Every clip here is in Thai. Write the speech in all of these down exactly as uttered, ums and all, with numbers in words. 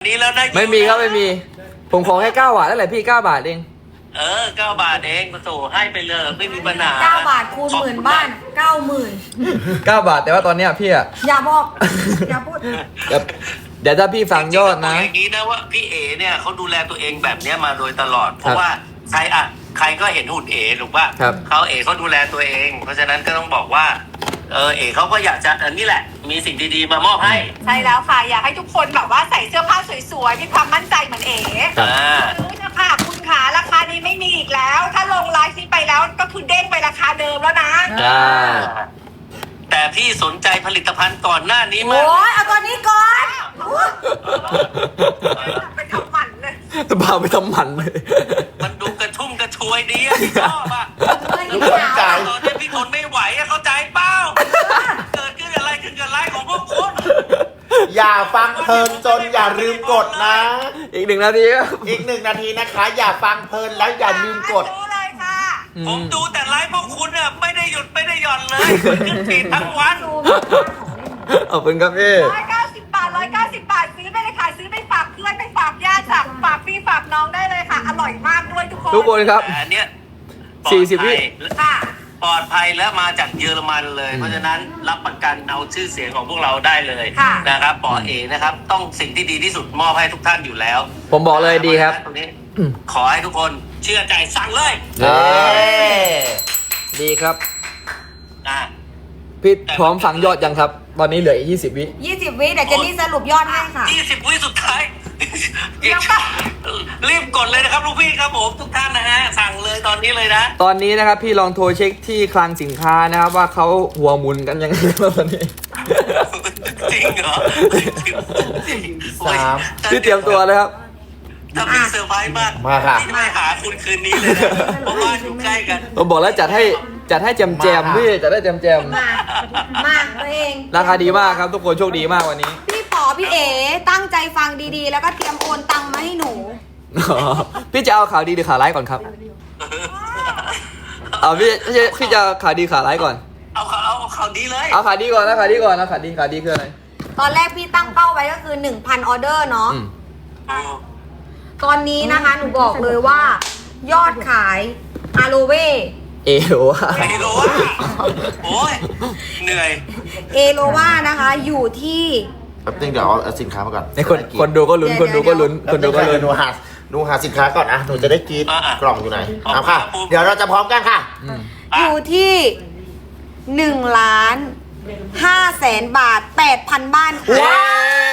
นี้แล้วนะไม่มีครับไม่มีผมขอแค่เก้าบาทนั่นแหละพี่เก้าบาทเองเออเก้าบาทเองมาโถให้ไปเลยไม่มีปัญหาเก้าบาทคูณหมื่นบ้านเก้าหมื่นเก้าบาทแต่ว่าตอนเนี้ยพี่อะอย่าบอกอย่าพูดเดี๋ยวเดี๋ยวถ้าพี่ฟังยอดนะอย่างนี้นะว่าพี่เอเนี่ยเขาดูแลตัวเองแบบเนี้ยมาโดยตลอด เพราะว่าใครอ่ะใครก็เห็นหุ่นเอถูกป่ะครับเขาเอเขาดูแลตัวเอง เพราะฉะนั้นก็ต้องบอกว่าเออเอเขาก็อยากจะอันนี้แหละมีสิ่งดีๆมามอบให้ใช่แล้วค่ะ อยากให้ทุกคนแบบว่าใส่เสื้อผ้าสวยๆมีความมั่นใจเหมือนเอ๋อ่าซื้อนะคะคุณขาราคานี้ไม่มีอีกแล้ว ถ้าลงไลฟ์นี้ไปแล้วก็คือเด้งไปราคาเดิมแล้วนะใช่แต่พี่สนใจผลิตภัณฑ์ก่อนหน้านี้มาโอ้กยเอาตัวนี้ก่อนไปทำหมันเลยพาไปทำหมันเลยมันดูกระชุ่มกระชวยดีอะพี่ชอบอะทุกคนใจตอนนี้พี่ทนไม่ไหวอะเข้าใจเปล่าเกิดขึ้นอะไรขึ้นกับไลฟ์ของพวกคุณอย่าฟังเพลินจนอย่าลืมกดนะอีกหนึ่งนาทีครับอีกหนึ่งนาทีนะคะ อย่าฟังเพลินแล้วอย่าลืมกดซื้อเลยค่ะผมดูแต่ไลฟ์พวกคุณอะไม่ได้หยุดไม่ได้หย่อนเลยขึ้นฟีดทั้งวันขอบคุณครับพี่ร้อยเก้าสิบบาทร้อยเก้าสิบบาทซื้อไปเลยค่ะซื้อไปฝากเพื่อนไปฝากญาติฝากฝากพี่ฝากน้องได้เลยค่ะ อร่อยมากด้วยทุกคนทุกคนครับแต่อันเนี้ยสี่สิบวิค่ะปลอดภัยและมาจากเยอรมันเลย เพราะฉะนั้นรับประกันเอาชื่อเสียงของพวกเราได้เลยค่ะนะครับปอเอนะครับ ต้องสิ่งที่ดีที่สุดมอบให้ทุกท่านอยู่แล้วผมบอกเลยดีครับตรงนี้ขอให้ทุกคนเชื่อใจสั่งเลยเย้ดีครับนะพี่พร้อมฟังยอดยังครับ ตอนนี้เหลืออีกยี่สิบวิยี่สิบวิเดี๋ยวเจนนี่สรุปยอดให้ค่ะยี่สิบวิสุดท้ายรีบกดเลยนะครับลูกพี่ครับผมทุกท่านนะฮะสั่งเลยตอนนี้เลยนะตอนนี้นะครับพี่ลองโทรเช็คที่คลังสินค้านะครับว่าเขาหัวหมุนกันยังไงบ้างตอนนี้จริงเหรอสามพี่เตรียมตัวเลยครับถ้ามีเซอร์ไพรส์มากมาค่ะพี่จะไปหาคุณคืนนี้เลยนะเพราะว่าอยู่ใกล้กันผมบอกแล้วจัดให้จัดให้แจมแจมๆพี่จัดให้แจมแจมมามาตัวเองๆราคาดีมากครับทุกคนโชคดีมากวันนี้พี่ป๋อพี่เอ๋ตั้งใจฟังดีๆ แล้วก็เตรียมโอนตังค์มาให้หนูอ๋อพี่จะเอาข่าวดีหรือข่าวร้ายก่อนครับเอาพี่พี่จะพี่จะเอาข่าวดีข่าวร้ายก่อนเอาเขาเอาเขาดีเลยเอาข่าวดีก่อนนะข่าวดีก่อนนะข่าวดีข่าวดีคืออะไรตอนแรกพี่ตั้งเป้าไว้ก็คือ หนึ่งพัน ออเดอร์เนาะอืมตอนนี้นะคะหนูบอกเลยว่า ยอดขายอาโลเวเอโอวะไม่รู้ว่าโอ้ยเหนื่อยเอโลวานะคะอยู่ที่แป๊บนึงเดี๋ยวเอาเอาสินค้ามาก่อนในคนคนดูก็ลุ้นคนดูก็ลุ้นคนดูก็ลุ้นหนูหาหนูหาสินค้าก่อนนะหนูจะได้กรีดอ่ะอ่ะกล่องอยู่ไหนเอาเอาค่ะเอาเดี๋ยวเราจะพร้อมกันค่ะอืมอยู่ที่หนึ่งล้านห้าแสนบาทแปดพันบ้านค่ะว้าว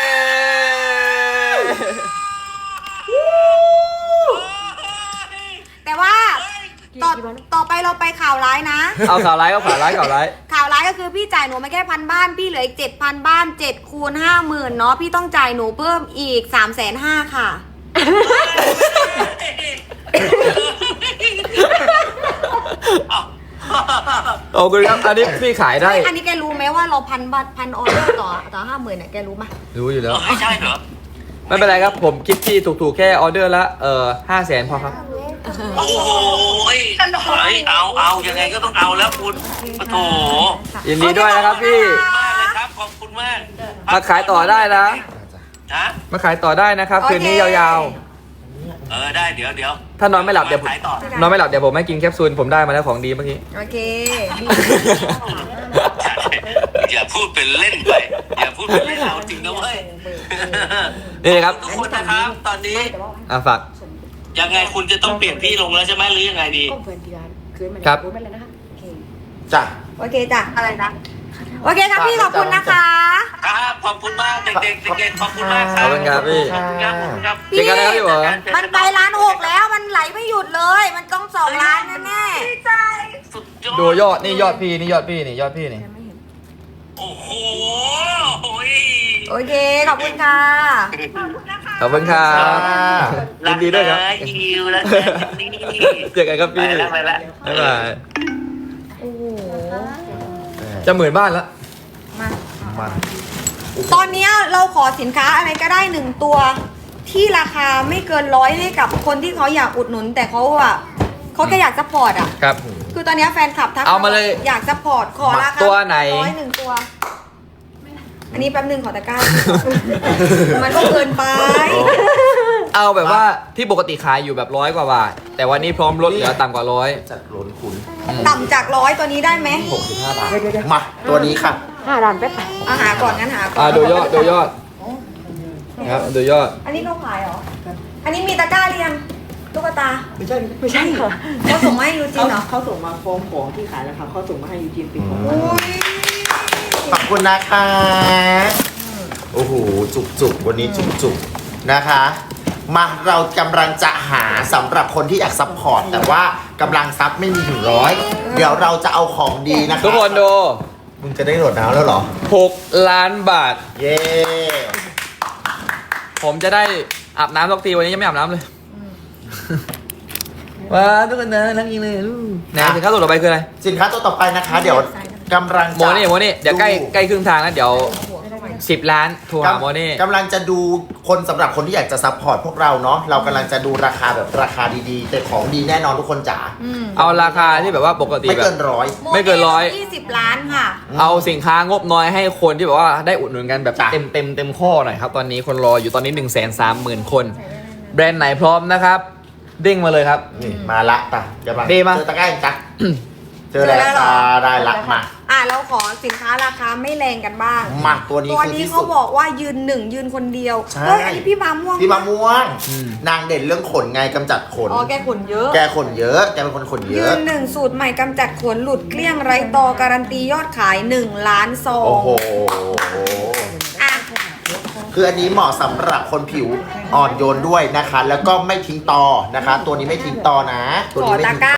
แต่ว่าต่อต่อไปเราไปข่าวร้ายนะเอาข่าวร้ายเอาข่าวร้ายข่าวร้ายข่าวร้ายก็คือพี่จ่ายหนูมาแค่พันบ้านพี่เหลืออีกเจ็ดพันบ้านเจ็ดคูณห้าหมื่นเนาะพี่ต้องจ่ายหนูเพิ่มอีกสามแสนห้าค่ะโอ้คุณครับอันนี้พี่ขายได้อันนี้แกรู้ไหมว่าเราพันบัตรพันออเดอร์ต่อต่อห้าหมื่นเนี่ยแกรู้ไหมรู้อยู่แล้วไม่ใช่เหรอไม่เป็นไรครับผมคิดที่ถูกๆแค่ออเดอร์ละเอ่อห้าแสนพอครับโอ้โหเอาเอายังไงก็ต้องเอาแล้วคุณโอ้โถยินดีด้วยนะครับพี่มากเลยครับขอบคุณมากมาขายต่อได้นะฮะมาขายต่อได้นะครับคืนนี้ยาวเออได้เดี๋ยวเดี๋ยวๆ ถ้านอนไม่หลับเดี๋ยวผมขายต่อนอนไม่หลับเดี๋ยวผมให้กินแคปซูลผมได้มาแล้วของดีเมื่อกี้โอเคอย่าพูดเป็นเล่นไป อย่าพูดเป็นเล่นเอาจริงนะเว้ยนี่ครับทุกคนนะครับ ตอนนี้อ่ะฝากยังไงคุณจะต้องเปลี่ยนที่ลงแล้วใช่ไหมหรือยังไงดีครับจ้ะโอเคจ้ะอะไรนะโอเคครับพี่ขอบคุณนะคะครับขอบคุณมากเด็กๆเด็กๆขอบคุณมากคขรัอบบคุณครับพี่ขอบคุณครับขอบคุณครับเจอกันนะครับพี่หมอมันไปร้านหกแล้วมันไหลไม่หยุดเลย มันต้องสองล้านแน่ดีใจสุดยอดดูยอดนี่ยอดพี่นี่ยอดพี่นี่ยอดพี่นี่โอ้โหๆโอเคขอบคุณค่ะขอบคุณครับยินดีด้วยครับรักนะยิวแล้วกันนี่เจอกันครับไปพี่แล้วไปแล้วบ๊ายบายโอ้โหจะหมื่นบ้านแล้วมามาตอนเนี้ยเราขอสินค้าอะไรก็ได้หนึ่งตัว ที่ราคาไม่เกินร้อยให้กับคนที่เขาอยากอุดหนุน แต่เขาอะเขาแค่อยากซัพพอร์ตอะครับคือตอนเนี้ยแฟนคลับทักเอามาเลยอยากซัพพอร์ตขอราคาตัวไหนร้อยหนึ่งตัว อันนี้แป๊บหนึ่งขอตะกร้า มันก็เกินไปโอ้เอาแบบว่าที่ปกติขายอยู่แบบร้อยกว่าบาท แต่วันนี้พร้อมลดเหลือต่ำกว่าร้อยจัดล้นคุณต่ำจากร้อยตัวนี้ได้ไหมหกสิบห้าบาทมาตัวนี้ค่ะอาหาก่อนงั้นหาก่ออ่าน ดูยอดดูยอดนะครับดูยอดอันนี้เขาขายเหรอ อันนี้มีตะกร้าเรียงตุ๊กตาไม่ใช่ไม่ใช่ค่ะเขาส่งมาให้ยูจิเขานเหรอเขาส่งมาฟ้องของที่ขายแล้วค่ะเขาส่งมาให้ยูจีนปิดของอุ้ยขอบคุณนะคะโอ้โหจุกจุกๆวันนี้จุกจุกๆนะคะ มาเรากำลังจะหาสำหรับคนที่อยากซัพพอร์ตแต่ว่ากำลังซับไม่มีถึงร้อยเดี๋ยวเราจะเอาของดีนะคะทุกคนดูมึงจะได้โหลดน้ำแล้วเหรอหกล้านบาทเย้ผมจะได้อาบน้ำสักทีวันนี้ยังไม่อาบน้ำเลยว้าทุกคนนะรักจริงเลยลูกไหนสินค้าตัวต่อไปคืออะไรสินค้าตัวต่อไปนะคะ เดี๋ยวกำลังโมจะนี่โมนี่เดี๋ยวใกล้ใกล้ครึ่งทางแล้วเดี๋ยวสิบล้านโทรหาโมนี่กำลังจะดูคนสำหรับคนที่อยากจะซัพพอร์ตพวกเราเนาะเรากำลังจะดูราคาแบบราคาดีๆ แต่ของดีแน่นอนทุกคนจ๋าเอาราคาที่แบบว่าปกติไม่แบเกิบนร้อยไม่เกินร้อยยี่สิบล้านค่ะเอาสินค้างบน้อยให้คนที่แบบว่าได้อุดหนุนกันแบบจ้ะเต็มเต็มเต็มข้อหน่อยครับ ตอนนี้คนรออยู่ตอนนี้หนึ่งแสนสามหมื่นคน แบรนด์ไหนพร้อมนะครับ เด้งมาเลยครับนี่มาละตะเดี๋ยวมาดีมาเจอตะกร้าอีกจ้ะเจอแล้วเจอแล้วเหรอจ้าได้ละมาอ่ะเราขอสินค้าราคาไม่แรงกันบ้างมาตัวนี้ตัวคือนี้ที่เขาสุดบอกว่ายืนหนึ่งยืนคนเดียวใช่เฮ้ยอันนี้พี่มะม่วงพี่มะม่วงอืมนางเด่นเรื่องขนไงกำจัดขนอ๋อแกขนเยอะแกขนเยอะแกเป็นคนขนเยยือะนหนึ่งสูตรใหม่กำจัดขนหลุดเกลี้ยงไร้ตอการันตียอดขายหนึ่งล้านซองโอ้โหอ่ะคืออันนี้เหมาะสำหรับคนผิวอ่อนโยนด้วยนะคะ แล้วก็ไม่ทิ้งตอนะคะ ตัวนี้ไม่ทิ้งตอนะ ตัวขอนี้ไม่ตะทิ้งกร้า